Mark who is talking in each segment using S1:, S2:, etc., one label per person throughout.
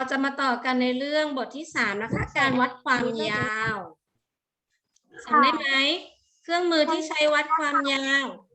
S1: จะมาต่อกันในเรื่องบทที่3นะคะการวัดความยาวจำได้ไหมเครื่องมือที่ใช้วัดความยาว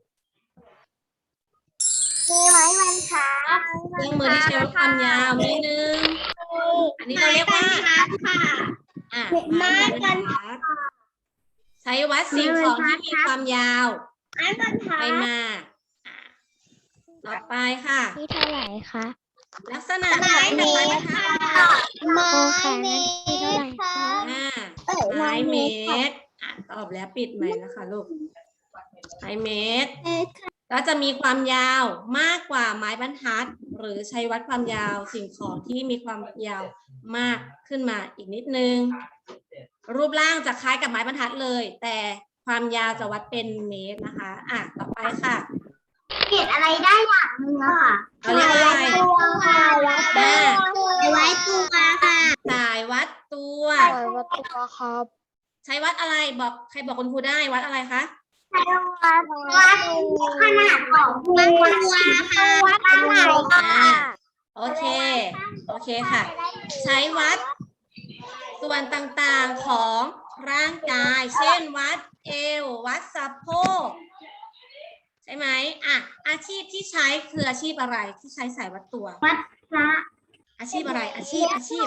S2: มีไม้บรรทัด
S1: เครื่องมือที่ใช้วัดความยาวมีหนึ่งอันนี้เราเรียกว่า
S2: ค่ะ
S1: ไม้บรรทัดใช้วัดสิ่งของที่มีความยาว
S2: ไม้บรรทั
S1: ไป
S2: ด
S1: มาต่อไปค่ะ
S3: ที่เท่าไหร่คะ
S1: ลักษณะคล้ายกับไม้บรรทัด
S2: ไม้
S3: เมตรค่ะ
S1: ไม้เมตรตอบแล้วปิดใหม่นะคะลูกไม้เมตรก็จะมีความยาวมากกว่าไม้บรรทัดหรือใช้วัดความยาวสิ่งของที่มีความยาวมากขึ้นมาอีกนิดนึงรูปร่างจะคล้ายกับไม้บรรทัดเลย แต่ความยาวจะวัดเป็นเมตรนะคะต่อไปค่ะ
S2: เขียนอะไรได้อย่างหนึงอะค่ะ
S1: เราเรียกว่าอะไร
S2: ไว้ตัวค่ะ
S1: สายวัดตัว
S3: วัดตัวครับ
S1: ใช้วัดอะไรบอกใครบอกคุณครูได้วัดอะไรคะ
S2: วัดขนาดของตัวค่ะวัดขนาดค่ะ
S1: โอเคค่ะ ใช้วัดส่วนต่างๆของร่างกาย เช่นวัดเอววัดสะโพกใช่ไหมอาชีพที่ใช้คืออาชีพอะไรที่ใช้สายวัดตัว
S2: วัดพระ
S1: อาชีพอะไรอาชีพ
S2: อาชีพ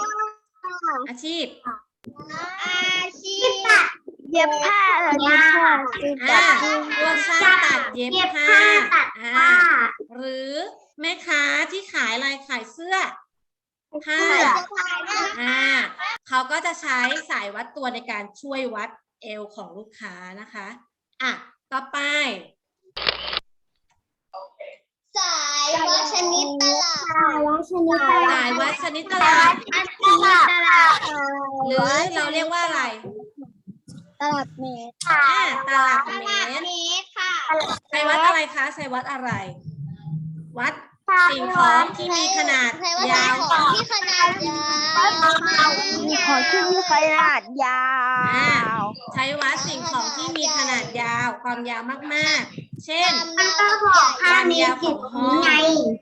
S3: เย็บผ้าเหรอเนี่ย
S1: พวกช่างตัดเย็บผ้า
S2: ตัดผ้า
S1: หรือแม่ค้าที่ขายอะไรขายเสื้อผ้าเขาก็จะใช้สายวัดตัวในการช่วยวัดเอวของลูกค้านะคะต่อไป
S2: สายวัดชนิดตลาด
S1: สายวัดชนิดตลาดหรือเราเรียกว่าอะไร
S3: ตลับเมตร
S1: ตลับเมตร
S2: ค่ะ
S1: ใช้วัดอะไรคะใช้วัดอะไร วัดสิ่งของที่มีขนาดยาว
S2: ที่ขนาดยาว
S3: มีของที่มีขนาดยาว
S1: ใช้วัดสิ่งของที่มีขนาดยาวความยาวมากๆ เช่น
S2: มันก็บอก5 เมตร10 ไง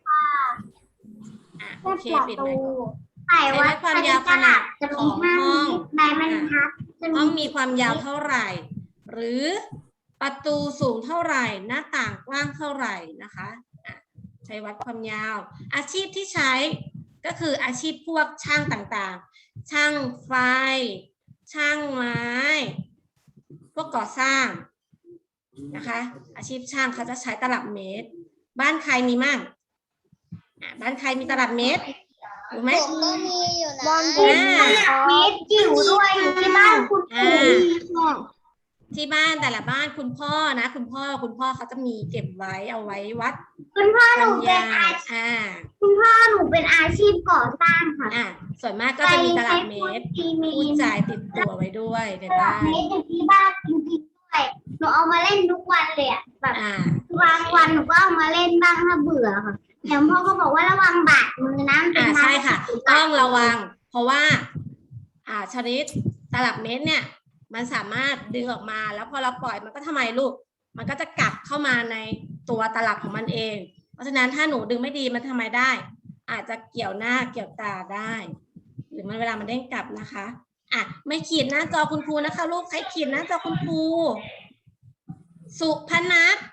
S1: โอเคปิดไมค์ก่อน
S2: สายวัดความยาวขนาดจะมี5 เมตรใบบรรทัด
S1: ห้องมีความยาวเท่าไหร่ หรือประตูสูงเท่าไหร่ หน้าต่างกว้างเท่าไหร่นะคะใช้วัดความยาว อาชีพที่ใช้ก็คืออาชีพพวกช่างต่างๆ ช่างไฟ ช่างไม้ พวกก่อสร้างนะคะ อาชีพช่างเขาจะใช้ตลับเมตร บ้านใครมีมั่งบ้านใครมีตลับเมตรถูกไหม
S2: ผมก็มีอยู่นะ
S3: บอล
S2: เมตรจิ๋วด้วยอยู่ที่บ้านคุณปู่
S1: ที่บ้านแต่ละบ้านคุณพ่อนะคุณพ่อเขาจะมีเก็บไว้เอาไว้วัด
S2: คุณพ่อ
S1: ค
S2: ห
S1: วา
S2: นู
S1: ม
S2: เป็น
S1: ยาว
S2: คุณพ่อหนูเป็นอาชีพก่อสร้างค่ะ
S1: ส่วนมากก็จะมีตลับเมตร
S2: มี
S1: ผู้จ่ายติดตัวไว้ด้วยใน
S2: ตลั
S1: บ้า
S2: บ
S1: น
S2: เมตรอยู่ที่บ้านจริงๆด้วยหนูเอามาเล่นทุกวันเลยอะแบบ บางวันหนูก็เอามาเล่นบ้างถ้าเบื่อค่ะแต่พ่อก็บอกว่าระวังบาดมือนะมันเป็นไม้
S1: ใช่ค่ะ ต้องระวัง เพราะว่าชนิดตลับเมตรเนี่ย มันสามารถดึงออกมาแล้วพอเราปล่อยมันก็ทำไมลูก มันก็จะกลับเข้ามาในตัวตลับของมันเอง เพราะฉะนั้นถ้าหนูดึงไม่ดีมันทำไมได้ อาจจะเกี่ยวหน้าเกี่ยวตาได้ หรือมันเวลามันเด้งกลับนะคะไม่ขีดหน้าจอคุณครูนะคะลูกใครขีดหน้าจอคุณครูสุพนัท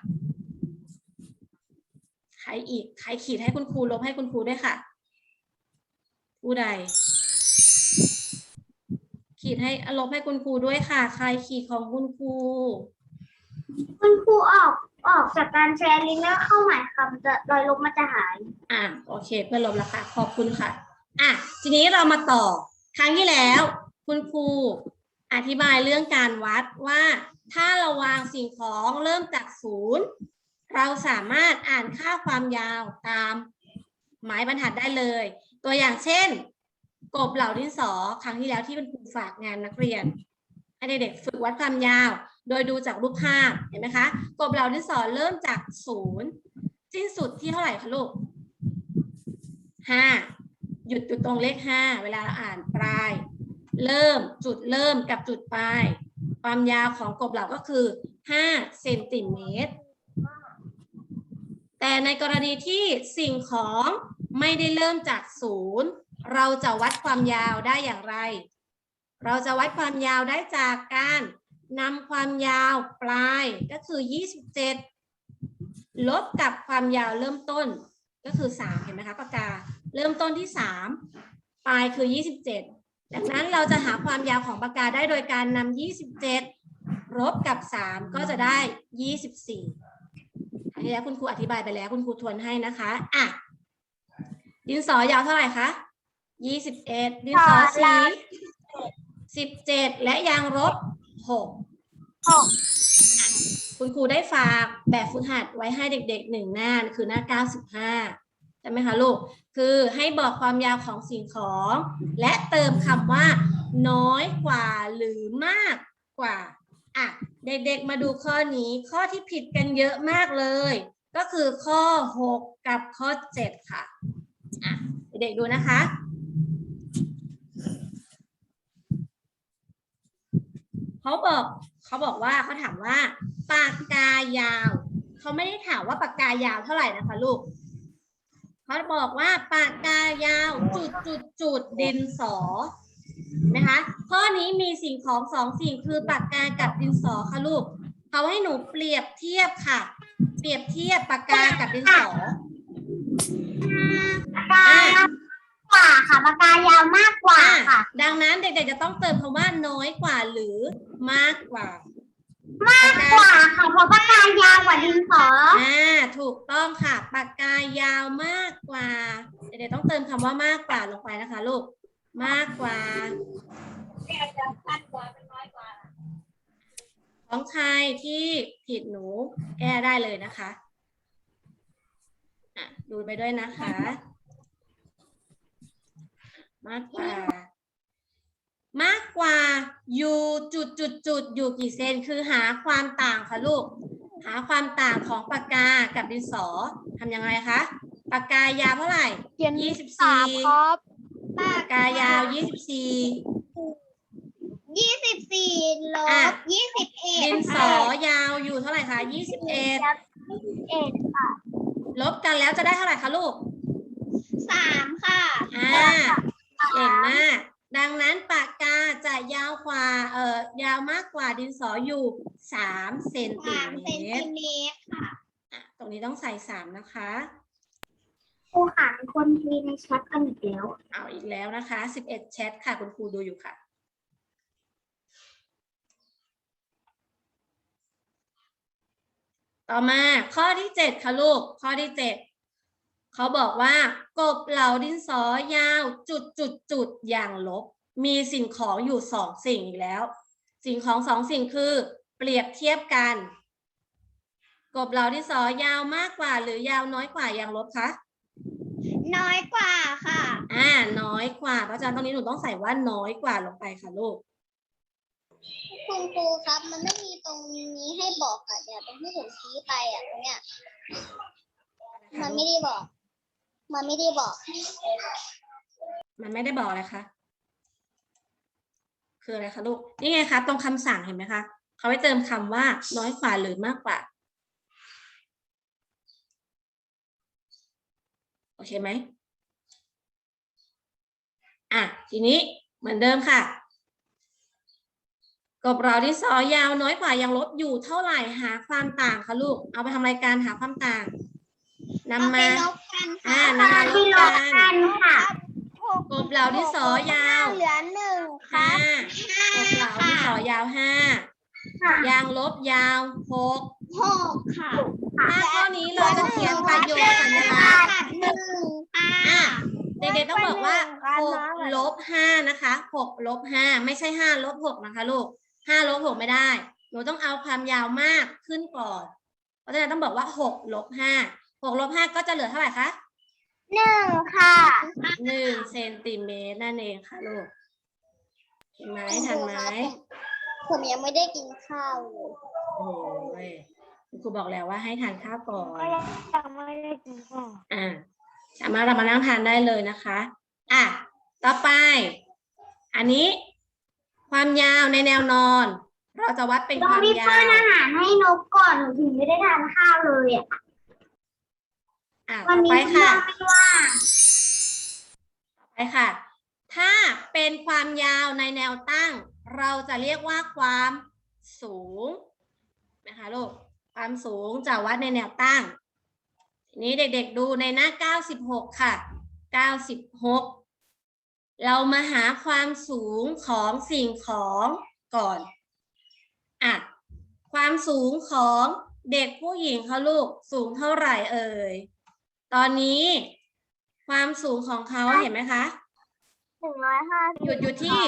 S1: ใครอีกใครขีดให้คุณครูลบให้คุณครูด้วยค่ะผู้ใดขีดให้ลบให้คุณครูด้วยค่ะใครขีดของคุณครู
S2: คุณครูออกจากการแชร์ลิงก์แล้วเข้าใหม่ค่ะมันจะรอยลบมันจะหาย
S1: โอเคเพื่อนลบแล้วค่ะขอบคุณค่ะทีนี้เรามาต่อครั้งที่แล้วคุณครูอธิบายเรื่องการวัดว่าถ้าเราวางสิ่งของเริ่มจาก0เราสามารถอ่านค่าความยาวตามไม้บรรทัดได้เลยตัวอย่างเช่นกบเหล่าดินสอครั้งที่แล้วที่เป็นครูฝากงานนักเรียนให้เด็กๆฝึกวัดความยาวโดยดูจากรูปภาพเห็นไหมคะกบเหล่าดินสอเริ่มจาก0สิ้นสุดที่เท่าไหร่คะลูก5หยุดตรงเลข5เวลาเราอ่านปลายเริ่มจุดเริ่มกับจุดปลายความยาวของกบเหล่าก็คือ5 เซนติเมตรแต่ในกรณีที่สิ่งของไม่ได้เริ่มจาก0 เราจะวัดความยาวได้อย่างไร เราจะวัดความยาวได้จากการนำความยาวปลายก็คือ27ลบกับความยาวเริ่มต้นก็คือ3เห็นไหมคะปากกาเริ่มต้นที่3ปลายคือ27ดังนั้นเราจะหาความยาวของปากกาได้โดยการนำ27ลบกับ3ก็จะได้24อันนี้แล้วคุณครูอธิบายไปแล้วคุณครูทวนให้นะคะอ่ะดินสอยาวเท่าไหร่คะ21ดินสอสี17และยางลบ6คุณครูได้ฝากแบบฝึกหัดไว้ให้เด็กๆ1หน้าคือหน้า95ใช่ไหมคะลูกคือให้บอกความยาวของสิ่งของและเติมคำว่าน้อยกว่าหรือมากกว่าอ่ะเด็กๆมาดูข้อนี้ข้อที่ผิดกันเยอะมากเลยก็คือข้อ6กับข้อ7ค่ะอ่ะเด็กๆดูนะคะเขาบอกว่าเขาถามว่าปากกายาวเขาไม่ได้ถามว่าปากกายาวเท่าไหร่นะคะลูกเขาบอกว่าปากกายาวจุดดินสอนะคะข้อนี้มีสิ่งของ2สิ่งคือปากกากับดินสอค่ะลูกเขาให้หนูเปรียบเทียบค่ะเปรียบเทียบปากกากับดินสอ
S2: ปากกากว่าค่ะปากกายาวมากกว่าค่ะ
S1: ดังนั้นเด็กๆจะต้องเติมคำว่าน้อยกว่าหรือมากกว่าม
S2: ากกว่าค่ะเพราะปากกายาวกว่าดินสอ
S1: ถูกต้องค่ะปากกายาวมากกว่าเด็กๆต้องเติมคำว่ามากกว่าลงไปนะคะลูกมากกว่าของใครที่ผิดหนูแก้ได้เลยนะคะดูไปด้วยนะคะมากกว่าอยู่จุดอยู่กี่เซนคือหาความต่างค่ะลูกหาความต่างของปากกากับดินสอทำยังไงคะปากกายาวเท่าไหร่24
S3: ครับ
S1: ปากกายาว24
S2: ลบ21
S1: ดินสอยาวอยู่เท่าไหร่คะ21
S2: ค่ะ
S1: ลบกันแล้วจะได้เท่าไหร่คะลูก
S2: 3ค่ะ
S1: เก่งมากดังนั้นปากกาจะยาวกว่ายาวมากกว่าดินสออยู่3เซนติเมตร
S2: ค่ะ
S1: ตรงนี้ต้องใส่3นะคะ
S2: ครูค่ะคนมีในแชทกันอีกแล้ว
S1: เอาอีกแล้วนะคะ11แชทค่ะคุณครูดูอยู่ค่ะต่อมาข้อที่7ค่ะลูกข้อที่7เขาบอกว่ากบเหลาดินสอยาวจุดอย่างลบมีสิ่งของอยู่2สิ่งอีกแล้วสิ่งของ2สิ่งคือเปรียบเทียบกันกบเหลาดินสอยาวมากกว่าหรือยาวน้อยกว่าอย่างลบคะ
S2: น้อยกว่าค่ะ
S1: น้อยกว่าเพราะฉะนั้นตรงนี้หนูต้องใส่ว่าน้อยกว่าลงไปค่ะลูก
S2: คุณครูครับมันไม่มีตรงนี้ให้บอกอ่ะเดี๋ยวตรงที่ผมชี้ไปอ่ะตรงเนี้ยมันไม่ได้บอกมันไม่ได้บอก
S1: อะไรคะคืออะไรคะลูกนี่ไงคะตรงคำสั่งเห็นไหมคะเขาให้เติมคำว่าน้อยกว่าหรือมากกว่าโอเคไหมทีนี้เหมือนเดิมค่ะกบเราดินสอยาวน้อยกว่ายังลบอยู่เท่าไหร่หาความต่างค่ะลูกเอาไปทำรายการหาความต่างนำมา
S2: ลบกัน
S1: ค่ะกบเหลาดินสอยาว
S2: เหลือ1ค่ะ
S1: กบเหลาดินสอยาว5ยางลบยาว6
S2: ค่ะ
S1: ถ้าข้อนี้เราจะเขียนประโยคสัญลักษณ์เด็กๆต้องบอกว่า6ลบ5นะคะ6ลบ5ไม่ใช่5ลบ6นะคะลูก5ลบ6ไม่ได้หนูต้องเอาความยาวมากขึ้นก่อนเพราะฉะนั้นต้องบอกว่า6ลบ5 6ลบ5ก็จะเหลือเท่าไหร่คะ
S2: 1ค่ะ
S1: 1เซนติเมตรนั่นเองค่ะลูกเห็นไหมทันไหม
S2: ผมยังไม่ได้กินข้าวเลย
S1: โอ้ยคุณครูบอกแล้วว่าให้ทานข้าวก่อน
S2: ยังไม่ได้กินข้าว
S1: สามารถเรามานั่งทานได้เลยนะคะต่อไปอันนี้ความยาวในแนวนอนเราจะวัดเป็นความยาว
S2: ป้อนอาหารให้นกก่อนหนูถึงไม่ได้ทานข้าวเลย
S1: ต่อไปค่ะใช่ค่ะ ถ้าเป็นความยาวในแนวตั้งเราจะเรียกว่าความสูงนะคะลูก ความสูงจะวัดในแนวตั้ง ทีนี้เด็กๆดูในหน้า96ค่ะ96เรามาหาความสูงของสิ่งของก่อนอ่ะความสูงของเด็กผู้หญิงเขาลูกสูงเท่าไหร่เอ่ยตอนนี้ความสูงของเขาเห็นไหมคะหยุดอยู่ที่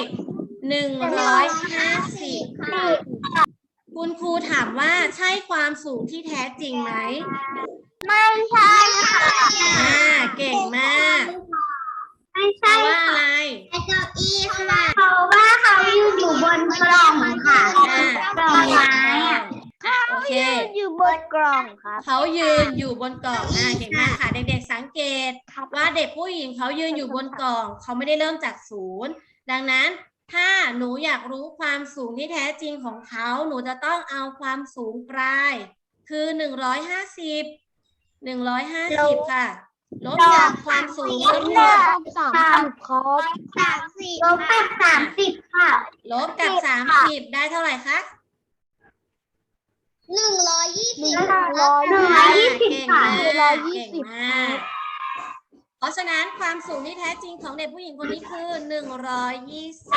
S1: 150คุณครูถามว่าใช่ความสูงที่แท้จริงไหม
S3: ไม่ใช่ค่ะ
S1: เก่งมาก
S3: ไม่
S1: เพ
S3: ใช่
S1: ราะว่าอะไร
S2: เก้าอี้ค่ะ
S3: เพราะว่าเขายืนอยู่บนกล่องค่ะ กล่องไม้อะ
S1: โอเค
S3: อยู่บนกล่องครับ
S1: เขายืนอยู่บนกล่องเก่งมากค่ะ เด็กๆสังเกตว่าเด็กผู้หญิงเขายืนอยู่บนกล่องเขาไม่ได้เริ่มจากศูนย์ดังนั้นถ้าหนูอยากรู้ความสูงที่แท้จริงของเขาหนูจะต้องเอาความสูงปลายคือ150ค่ะลบจากความสูงทั้งหมด
S3: 30ครับ
S2: 30
S3: ลบกับ30ค่ะ
S1: ลบกับ30ได้เท่าไหร่คะ
S2: 120
S1: เก่งมากเก่งมากเพราะฉะนั้นความสูงที่แท้จริงของเด็กผู้หญิงคนนี้คือ120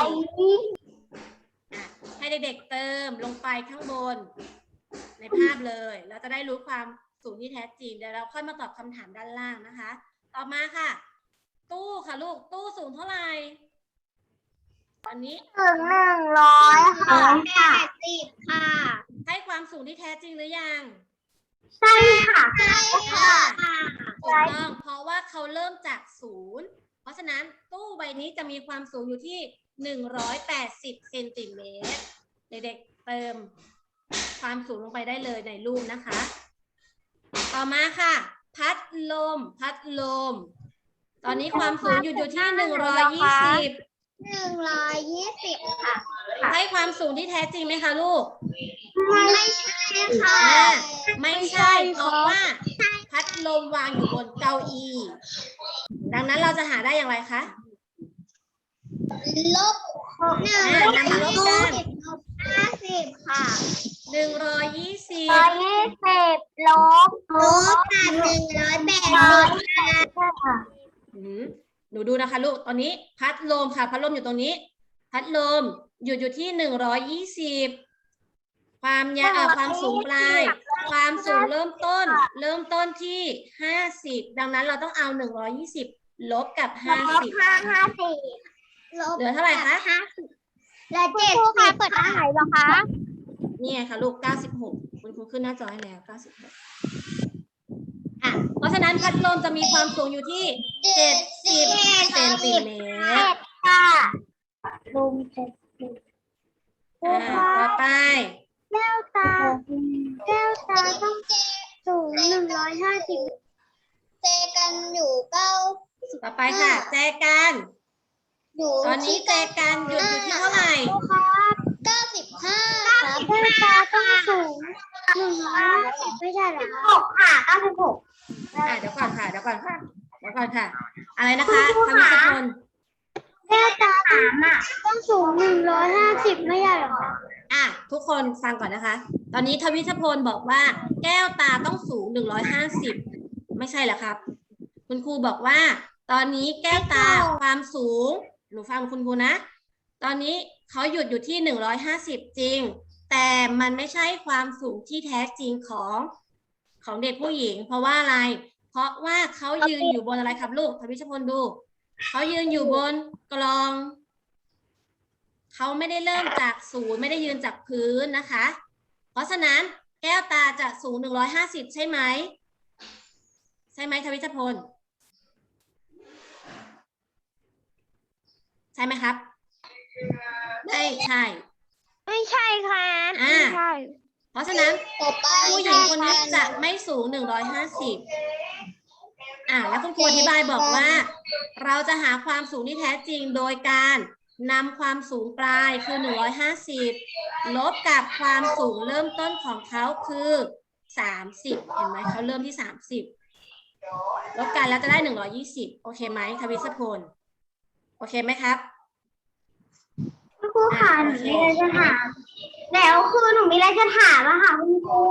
S1: ให้เด็กๆเติมลงไปข้างบนในภาพเลยเราจะได้รู้ความสูงที่แท้จริงเดี๋ยวเราค่อยมาตอบคำถามด้านล่างนะคะต่อมาค่ะ ตู้ค่ะลูกตู้สูงเท่าไหร่ตอนนี้
S3: ถึง100ค่ะ
S2: 80 ค่ะ
S1: ให้ความสูงที่แท้จริงหรือยัง
S3: ใช่ค่ะ
S2: ใช่ค่ะ
S1: ถูกต้องเพราะว่าเขาเริ่มจากศูนย์เพราะฉะนั้นตู้ใบนี้จะมีความสูงอยู่ที่180เซนติเมตรเด็กๆเติมความสูงลงไปได้เลยในรูปนะคะ ต่อมาค่ะ พัดลม ตอนนี้ความสูงอยู่ที่120
S2: 120 ค่ะ
S1: ให้ความสูงที่แท้จริงไหมคะลูก
S2: ไม่ใช่ค่ะ
S1: ไม่ใช่เพราะว่าพัดลมวางอยู่บนเก้าอี้ดังนั้นเราจะหาได้อย่างไรคะ
S2: ลบ
S1: นำมาลบกัน
S2: 50 ค่ะ
S1: 120
S3: ลบ
S2: ลบกับ180 ค่ะ
S1: หนูดูนะคะลูกตอนนี้พัดลมค่ะพัดลมอยู่ตรงนี้ พัดลมอยู่ที่120ความสูงปลายความสูงเริ่มต้นที่50ดังนั้นเราต้องเอา120ลบกับ50เหลือเท่าไหร่คะ
S2: และ70
S3: เปิดร้านไหนเหรอคะ
S1: นี่ไงคะลูก96คุณครูขึ้นหน้าจอให้แล้ว96เพราะฉะนั้นพัดลมจะมีความสูงอยู่ที่70เซนติเมตร
S3: ค่ะลม
S1: ต่อไป
S3: แก้วตาต้องสูง150
S2: เจกันอยู่9
S1: ต่อไปค่ะแจกัน
S2: อยู่
S1: ตอนนี้แจกันหยุดอยู่ที่เท่าไหร่
S2: 95 ครับ
S3: แก้วตาต้องสูง150ไม่ใช่เหรอคะ96ค่ะ96
S1: เดี๋ยวก่อนค่ะอะไรนะคะทวิชพล
S3: แก้วตาต้องสูง150ไม่ใช่เหรอคะ
S1: ทุกคนฟังก่อนนะคะ ตอนนี้ทวิชพลบอกว่าแก้วตาต้องสูง150ไม่ใช่เหรอครับคุณครูบอกว่าตอนนี้แก้วตาความสูงหนูฟังคุณครูนะตอนนี้เขาหยุดอยู่ที่150จริงแต่มันไม่ใช่ความสูงที่แท้จริงของเด็กผู้หญิงเพราะว่าอะไรเพราะว่าเขายืนอยู่บนอะไรครับลูกทวิชพลดูเขายืนอยู่บนกลองเขาไม่ได้เริ่มจากศูนย์ไม่ได้ยืนจากพื้นนะคะเพราะฉะนั้นแก้วตาจะสูง150ใช่ไหมทวิชพลใช่ไหมครับไม่ใช่
S3: ค่ะไม่ใช่
S1: เพราะฉะนั้นผู้หญิงคนนี้จะไม่สูง150แล้วคุณครูอธิบายบอกว่าเราจะหาความสูงที่แท้จริงโดยการนำความสูงปลายคือ150ลบกับความสูงเริ่มต้นของเขาคือ30เห็นไหมเขาเริ่มที่30ลบกันแล้วจะได้120โอเคไหมทวิชพลโอเคไหมครับ
S3: คุณครูค่ะหนูมีอะไรจะถามแล้วคือหนูมีอะไรจะถามอะค่ะคุณครู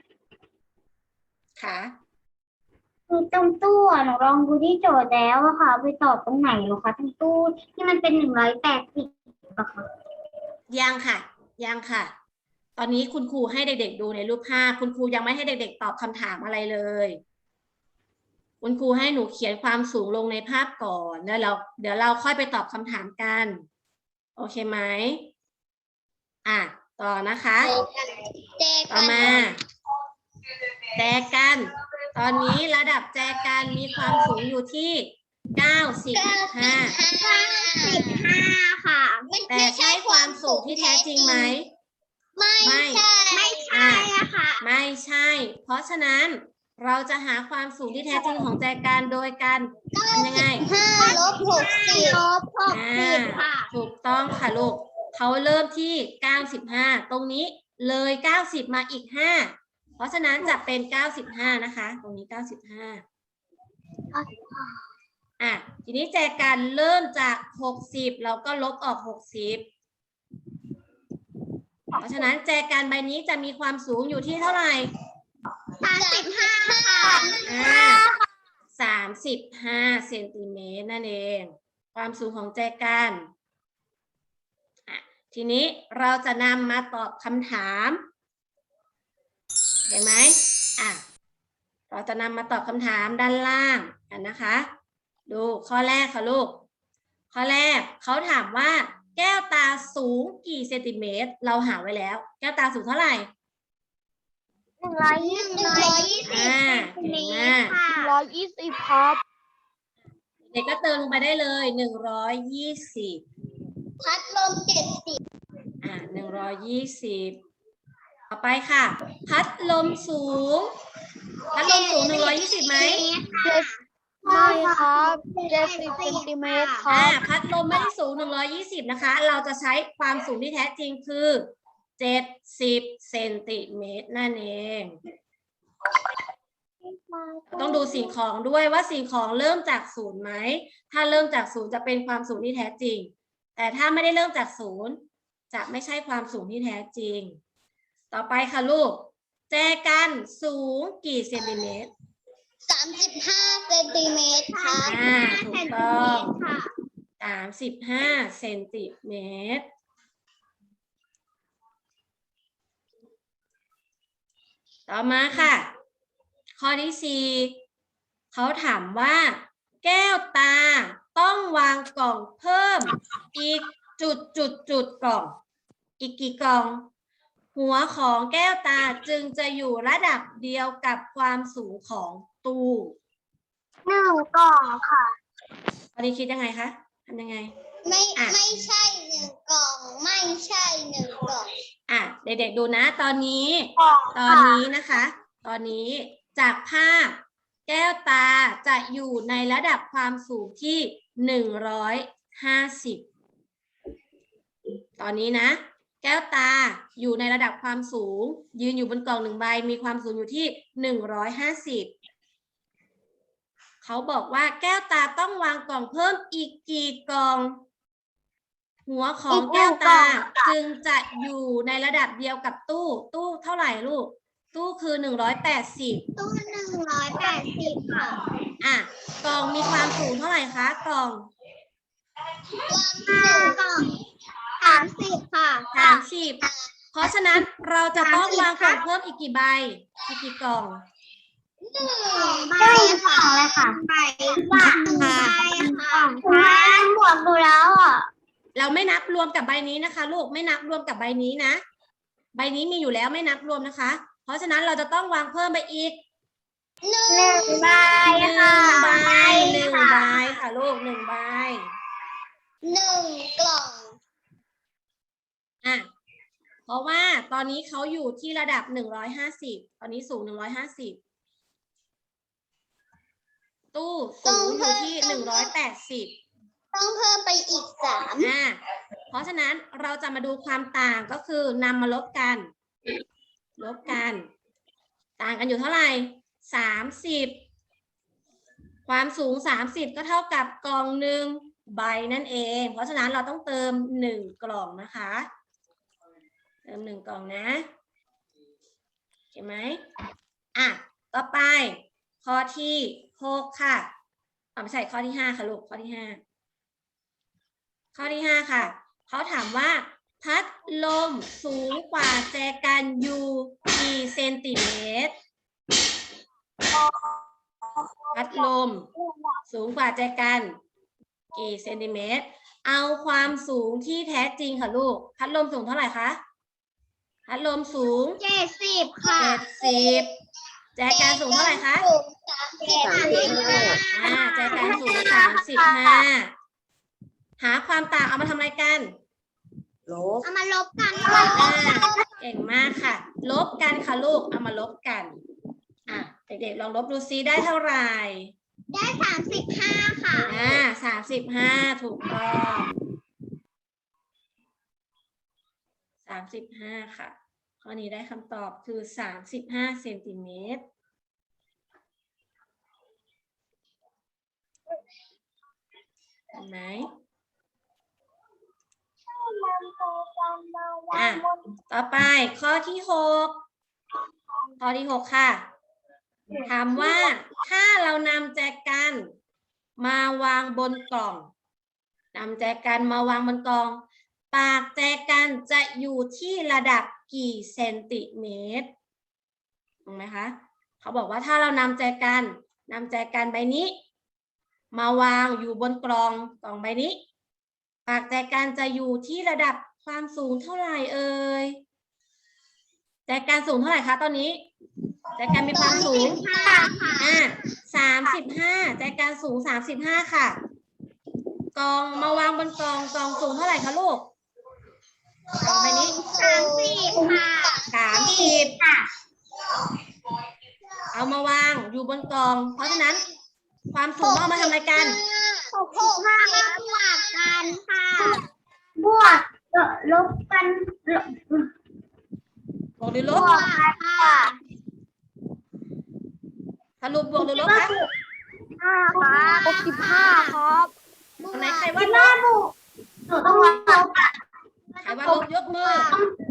S1: ค่ะ
S3: คือตรงตู้อะหนูลองดูที่โจทย์แล้วอะค่ะ ไปตอบตรงไหนเหรอคะตรงตู้ที่มันเป็น180อะค่ะ
S1: ยังค่ะ ยังค่ะ ตอนนี้คุณครูให้เด็กๆดูในรูปภาพ คุณครูยังไม่ให้เด็กๆตอบคำถามอะไรเลย คุณครูให้หนูเขียนความสูงลงในภาพก่อนแล้วเดี๋ยวเราค่อยไปตอบคำถามกัน โอเคไหมอ่ะต่อนะคะ
S2: แจ
S1: ต่อ
S2: กัน
S1: มาแจกัน ตอนนี้ระดับแจกันมีความสูงอยู่ที่ 95
S3: 95ค่ะ
S1: แต่ใช่ความสูงที่แท้จริงไหม
S2: ไม่ใช่
S3: ไม่ใช่อะค่ะ
S1: ไม่ใช่ เพราะฉะนั้นเราจะหาความสูงที่แท้จริงของแจกันโดยการทำยังไง
S2: 5 ลบ 60
S3: ลบ60ค่ะ
S1: ถูกต้องค่ะลูก เขาเริ่มที่ 95 ตรงนี้เลย 90 มาอีก 5 เพราะฉะนั้นจะเป็น 95 นะคะ ตรงนี้ 95 อ่ะ ทีนี้แจกันเริ่มจาก 60 เราก็ลบออก 60 เพราะฉะนั้นแจกันใบนี้จะมีความสูงอยู่ที่เท่าไหร่
S3: 35ค่ะ
S1: 35 เซนติเมตรนั่นเอง ความสูงของแจกันทีนี้เราจะนำมาตอบคำถามเห็นไหมเราจะนำมาตอบคำถามด้านล่างกันนะคะ ดูข้อแรกค่ะลูก ข้อแรกเขาถามว่าแก้วตาสูงกี่เซนติเมตร เราหาไว้แล้ว แก้วตาสูงเท่าไหร่
S3: 120
S1: เก่งมาก
S3: 120ครับ
S1: เด็กก็เติมลงไปได้เลย120
S2: พัดลม
S1: 120 ต่อไปค่ะ พัดลมสูง พัดลมสูง120ไหม
S3: ไม่ครับ70เซนติเมตรครับ
S1: พัดลมไม่ได้สูง120นะคะ เราจะใช้ความสูงที่แท้จริงคือ70 เซนติเมตรนั่นเอง ต้องดูสิ่งของด้วยว่าสิ่งของเริ่มจากศูนย์ไหม ถ้าเริ่มจากศูนย์จะเป็นความสูงที่แท้จริง แต่ถ้าไม่ได้เริ่มจากศูนย์จะไม่ใช่ความสูงที่แท้จริง ต่อไปค่ะลูก แจกันสูงกี่เซนติเมตร
S2: 35 เซนติเมตรครับ
S1: ถูกต้อง35 เซนติเมตร ต่อมาค่ะ ข้อที่4เขาถามว่า แก้วตาต้องวางกล่องเพิ่มอีกจุดกล่อง อีกกี่กล่อง หัวของแก้วตาจึงจะอยู่ระดับเดียวกับความสูงของตู้
S3: 1 กล่องค่ะ
S1: ตอนนี้คิดยังไงคะทำยังไง
S2: ไม่ใช่ 1 กล่อง ไม่ใช่ 1 กล่อง
S1: เด็กๆดูนะ ตอนนี้นะคะ ตอนนี้จากภาพแก้วตาจะอยู่ในระดับความสูงที่150 ตอนนี้นะ แก้วตาอยู่ในระดับความสูง ยืนอยู่บนกล่อง1 ใบมีความสูงอยู่ที่150 เขาบอกว่าแก้วตาต้องวางกล่องเพิ่มอีกกี่กล่อง หัวของแก้วตาจึงจะอยู่ในระดับเดียวกับตู้เท่าไหร่ลูก ตู้คือ180
S2: ตู้180 ค่ะ
S1: กล่องมีความสูงเท่าไหร่คะกล่อง
S2: ความสูง30 ค่ะ
S1: 30 เพราะฉะนั้นเราจะต้องวางกล่องเพิ่มอีกกี่ใบอีกกี่กล่อง
S3: ได้2เลยค่ะใบว่า1 ใบค่ะบวกดูแล้วอ่ะ
S1: เราไม่นับรวมกับใบนี้นะคะลูกไม่นับรวมกับใบนี้นะ ใบนี้มีอยู่แล้วไม่นับรวมนะคะ เพราะฉะนั้นเราจะต้องวางเพิ่มไปอีก
S3: 1 ใบค่ะ
S1: 1 ใบค่ะลูก1 ใบ
S2: 1 กล่อง
S1: เพราะว่าตอนนี้เขาอยู่ที่ระดับ150 ตอนนี้สูง150 ตู้สูงอยู่ที่180
S2: ต้องเพิ่มไปอีก 3
S1: เพราะฉะนั้นเราจะมาดูความต่างก็คือนำมาลบกัน ต่างกันอยู่เท่าไหร่30 ความสูง30ก็เท่ากับกล่องหนึ่งใบนั่นเอง เพราะฉะนั้นเราต้องเติม1 กล่องนะคะ เติม1 กล่องนะเห็นไหมอ่ะต่อไปข้อที่6ค่ะไม่ใช่ข้อที่5ค่ะลูกข้อที่5ข้อที่5ค่ะเขาถามว่าพัดลมสูงกว่าแจกันอยู่กี่เซนติเมตรพัดลมสูงกว่าแจกันกี่เซนติเมตรเอาความสูงที่แท้จริงค่ะลูกพัดลมสูงเท่าไหร่คะพัดลมสูง
S2: 70 ค่ะ
S1: 70แจกันสูงเท่าไหร่คะ แจกันสูง35หาความต่างเอามาทำอะไรกัน
S2: เอามาลบกันค่ะ
S1: เก่งมากค่ะ ลบกันค่ะลูกเอามาลบกันเด็กๆลองลบดูซิได้เท่าไหร่
S2: ได้35ค่ะ
S1: 35ถูกต้อง35ค่ะข้อนี้ได้คำตอบคือ35 เซนติเมตรเห็นไหมต่อไปข้อที่6ค่ะถามว่าถ้าเรานำแจกันมาวางบนกล่องนำแจกันมาวางบนกล่องปากแจกันจะอยู่ที่ระดับกี่เซนติเมตรถูกไหมคะเขาบอกว่าถ้าเรานำแจกันใบนี้มาวางอยู่บนกล่องใบนี้ปากแจกันจะอยู่ที่ระดับความสูงเท่าไหร่เอ่ยแจกันสูงเท่าไหร่คะตอนนี้แจกันมีความสูง35แจกันสูง35ค่ะกล่องมาวางบนกล่องสูงเท่าไหร่คะลูกใบนี้
S2: 30 ค่ะ
S1: 30เอามาวางอยู่บนกล่องเพราะฉะนั้นความสูงเอามาทำอะไรกัน
S2: 65บวกกันค่ะ
S3: บวกลบกัน
S1: บวกหรือล
S2: บบ วกค่ะ
S1: สรุปบวกหรือลบคะ
S2: 65ครับ
S1: อันไหนใครว่าลบ
S3: หนูต้องลบ
S1: ใครว่าลบยกมือ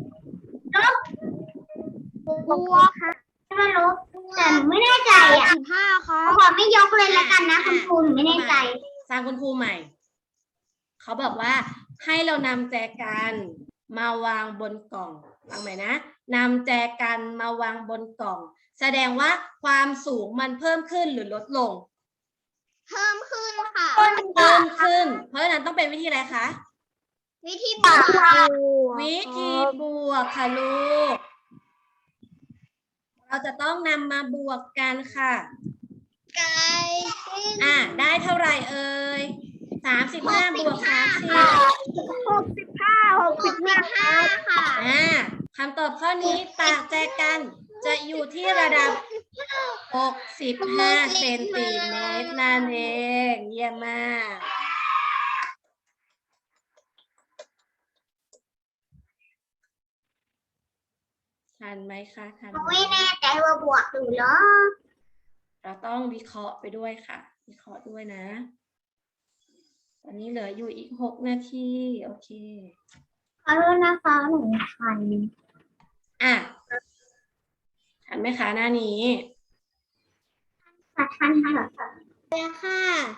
S2: บวกค่ะ
S3: ไม่ลบแต่หนูไม่แน่ใจ
S2: 65ครั
S3: ขอไม่ยกเลยละกันนะคุณครูหนูไม่แน่ใจ
S1: สร้างคุณครูใหม่เขาบอกว่าให้เรานำแจกันมาวางบนกล่องฟังใหม่นะนำแจกันมาวางบนกล่องแสดงว่าความสูงมันเพิ่มขึ้นหรือลดลง
S2: เพิ่มขึ้นค่ะ
S1: เพิ่มขึ้นเพราะฉะนั้นต้องเป็นวิธีอะไรคะ
S2: วิธีบวก
S1: วิธีบวกค่ะลูกเราจะต้องนำมาบวกกันค่ะ
S2: ไกลขึ้น
S1: ได้เท่าไหร่เอ่ย35บวก30
S2: 65ค่ะ
S1: คำตอบข้อนี้ปากแจกันจะอยู่ที่ระดับ65 เซนติเมตรนั่นเองเยี่ยมมากทันไหมคะทันไหม
S3: ไม่แน่ใจว่าบวกหรือลบ
S1: เราต้องวิเคราะห์ไปด้วยค่ะ วิเคราะห์ด้วยนะ ตอนนี้เหลืออยู่อีก6 นาที โอเค
S3: ขอโทษนะคะหนูทัน
S1: ทันไหมคะหน้านี้
S3: ทันค่ะ
S2: ค่ะ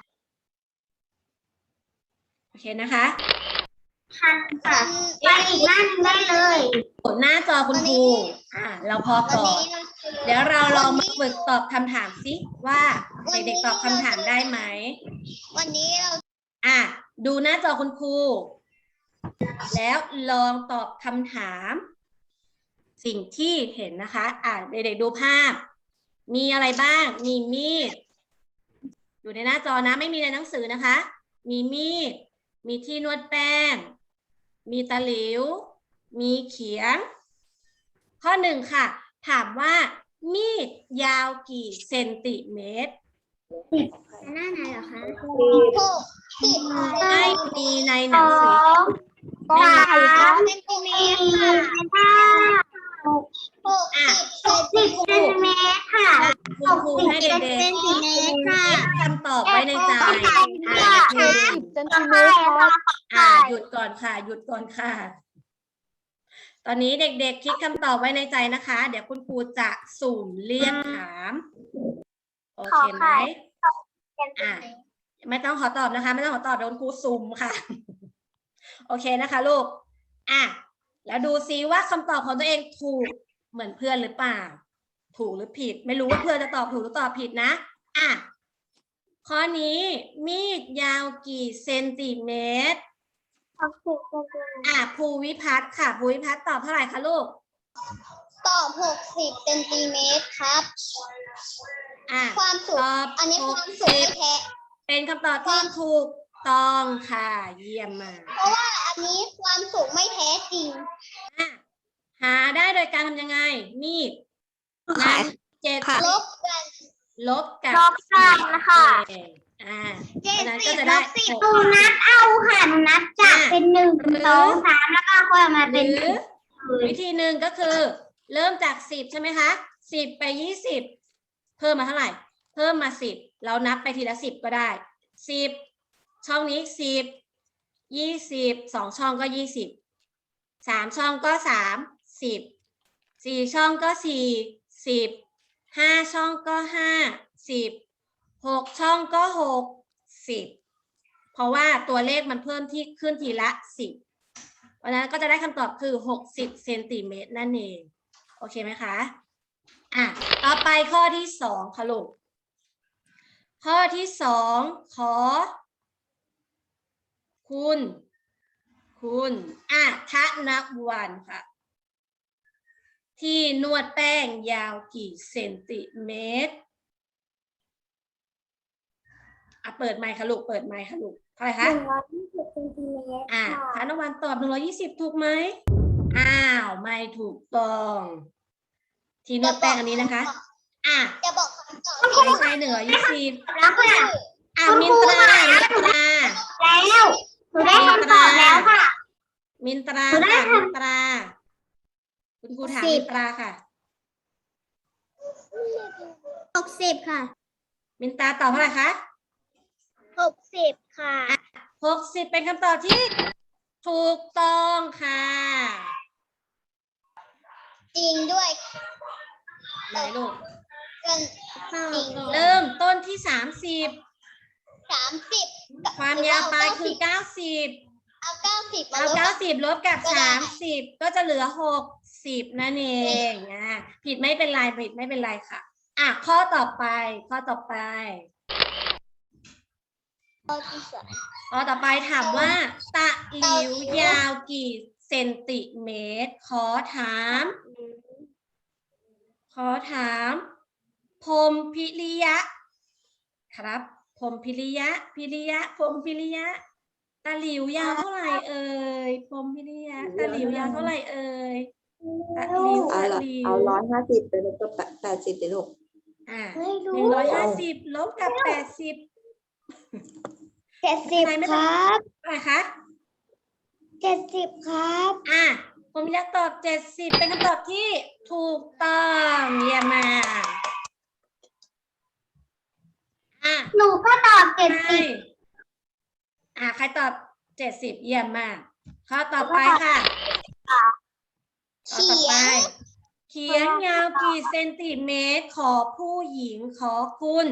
S1: โอเคนะคะ
S3: ทันค่ะไปอีกหน้าหนึงได้เลย
S1: กดหน้าจอคุณครูเราพอก่อน เดี๋ยวเราลองมาฝึกตอบคำถามสิว่าเด็กๆตอบคำถามได้ไหม
S2: วันนี้เรา
S1: ดูหน้าจอคุณครู แล้วลองตอบคำถาม สิ่งที่เห็นนะคะเด็กๆดูภาพ มีอะไรบ้าง มีมีด อยู่ในหน้าจอนะไม่มีในหนังสือนะคะ มีมีด มีที่นวดแป้ง มีตะหลิว มีเขียง ข้อ 1 ค่ะ ถามว่ามีดยาวกี่เซนติเมตร
S2: หน้าไหนเหรอคะ
S1: ไม่มีในห
S3: ส
S1: นัง
S3: อ
S1: สือ
S3: งสาม
S2: เซนติเม
S3: สี่
S2: ตรค่ะ
S3: ห้า
S2: 60
S3: 10 เซนติเมตรค่ะ
S1: คุณครูให้เด็ก
S2: เซนติเมตรค่ะ
S1: ๆคิดคำตอบไว้ในใจ
S2: ค่ะ
S1: คือ
S4: เซนติเมตรครับ
S1: หยุดก่อนค่ะ หยุดก่อนค่ะ ตอนนี้เด็กๆคิดคำตอบไว้ในใจนะคะ เดี๋ยวคุณครูจะสุ่มเรียกถาม โอเคไหมไม่ต้องขอตอบนะคะ ไม่ต้องขอตอบโดนครูสุ่มค่ะ โอเคนะคะลูกแล้วดูซิว่าคำตอบของตัวเองถูกเหมือนเพื่อนหรือเปล่า ถูกหรือผิด ไม่รู้ว่าเพื่อนจะตอบถูกหรือตอบผิดนะข้อนี้มีดยาวกี่เซนติเมตรภูวิพัฒน์ค่ะภูวิพัฒน์ตอบเท่าไหร่คะลูก
S2: ตอบ60 เซนติเมตรครับ ความสูง
S1: ตอบ
S2: อันนี้ความสูงไม่แท้
S1: เป็นคำตอบที่ถูกต้องค่ะ เยี่ยมมาก
S2: เพราะว่าอันนี้ความสูงไม่แท้จริง
S1: หาได้โดยการทำยังไง มีดนั้น7
S2: ลบกัน
S1: ลบกับ
S3: ลบกันนะคะ
S1: เพราะฉะนั้นก็จะได้
S3: หนูนับเอาค่ะหนูนับจากเป็น1 2 3แล้วก็ค่อยมา
S1: ห
S3: เป็น
S1: รือวิธีหนึ่งก็คือ เริ่มจาก10ใช่ไหมคะ10ไป20เพิ่มมาเท่าไหร่ เพิ่มมา10เรานับไปทีละ10ก็ได้10ช่องนี้10 20 2ช่องก็20 3ช่องก็30 4ช่องก็40 5ช่องก็50 6ช่องก็60เพราะว่าตัวเลขมันเพิ่มที่ขึ้นทีละ10เพราะฉะนั้นก็จะได้คำตอบคือ60 เซนติเมตรนั่นเองโอเคไหมคะต่อไปข้อที่2ค่ะลูกข้อที่2ขอคุณธนวันค่ะที่นวดแป้งยาวกี่เซนติเมตรเปิดไมค์ค่ะลูกเปิดไมค์ค่ะลูกเท่าไหร่คะ
S3: 120 เซนติเมตร
S1: ธนวันตอบ120ถูกไหมไม่ถูกต้องที่นวดแป้งอันนี้นะคะ
S2: จะบอกคำตอบ
S1: ไม่ใช่120
S3: แล้วค่ะ
S1: มินตรา
S3: แล้วหนูได้คำตอบแล้วค่ะ
S1: มินตราค่ะมินตราคุณครูถามมินตราค่ะ
S2: 60 ค่ะ
S1: มินตราตอบเท่าไหร่คะ
S2: 60 ค่ะ
S1: 60เป็นคำตอบที่ถูกต้องค่ะ
S2: จริงด้วย
S1: ไหนลูก
S2: จริง
S1: เริ่มต้นที่30
S2: 30
S1: ความยาวปลายคือ90
S2: เอา90 มา
S1: เอา
S2: ลบ
S1: 90ลบกับ30ก็จะเหลือ60นั่นเองผิดไม่เป็นไรผิดไม่เป็นไรค่ะข้อต่อไปข้อต่อไปถามว่าตะหลิวยาวกี่เซนติเมตรขอถามพรหมพิริยะครับพรหมพิริยะพรหมพิริยะตะหลิวยาวเท่าไหร่เอ่ยพรหมพิริยะตะหลิวยาวเท่าไหร่เอ่ยตะหลิว
S4: เอา150ไปลบกับ80เลยลูก
S1: 150ลบกับ80
S2: 70 ครับ
S1: อะไรคะ
S2: 70 ครับ
S1: ผมอยากตอบ70เป็นคำตอบที่ถูกต้องเยี่ยมมาก
S3: หนูก็ตอบ70
S1: ใครตอบ70เยี่ยมมากข้อต่อไปค่ะข้อต่อไปเขียนยาวกี่เซนติเมตรขอผู้หญิงขอคุณ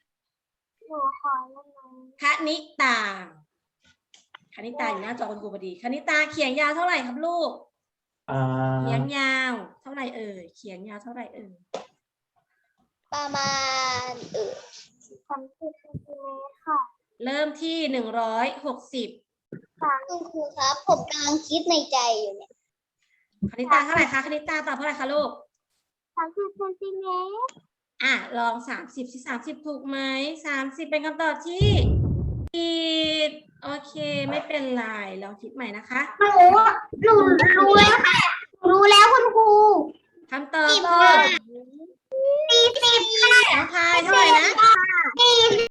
S1: คณิตาอยู่หน้าจอคุณครูพอดีคณิตาเขียนยาวเท่าไหร่ครับลูกเขียนยาวเท่าไหร่เอ่ยเขียนยาวเท่าไหร่เอ่ย
S2: ประมาณ
S3: 30 เซนติเมตรค่ะ
S1: เริ่มที่160
S2: คุณครูครับ ผมกำลังคิดในใจอยู่เนี่ย
S1: คณิตาเท่าไหร่คะคณิตาตอบเท่าไหร่คะลูก
S3: 30 เซนติเมตร
S1: ลอง30สิ30ถูกไหม30เป็นคำตอบที่ผิดโอเคไม่เป็นไรลองคิดใหม่นะคะ
S3: หนูรู้แล้วค่ะรู้แล้วคุณครู
S1: คำตอบก็40ค่ะน้องพายเท่าไหร่นะ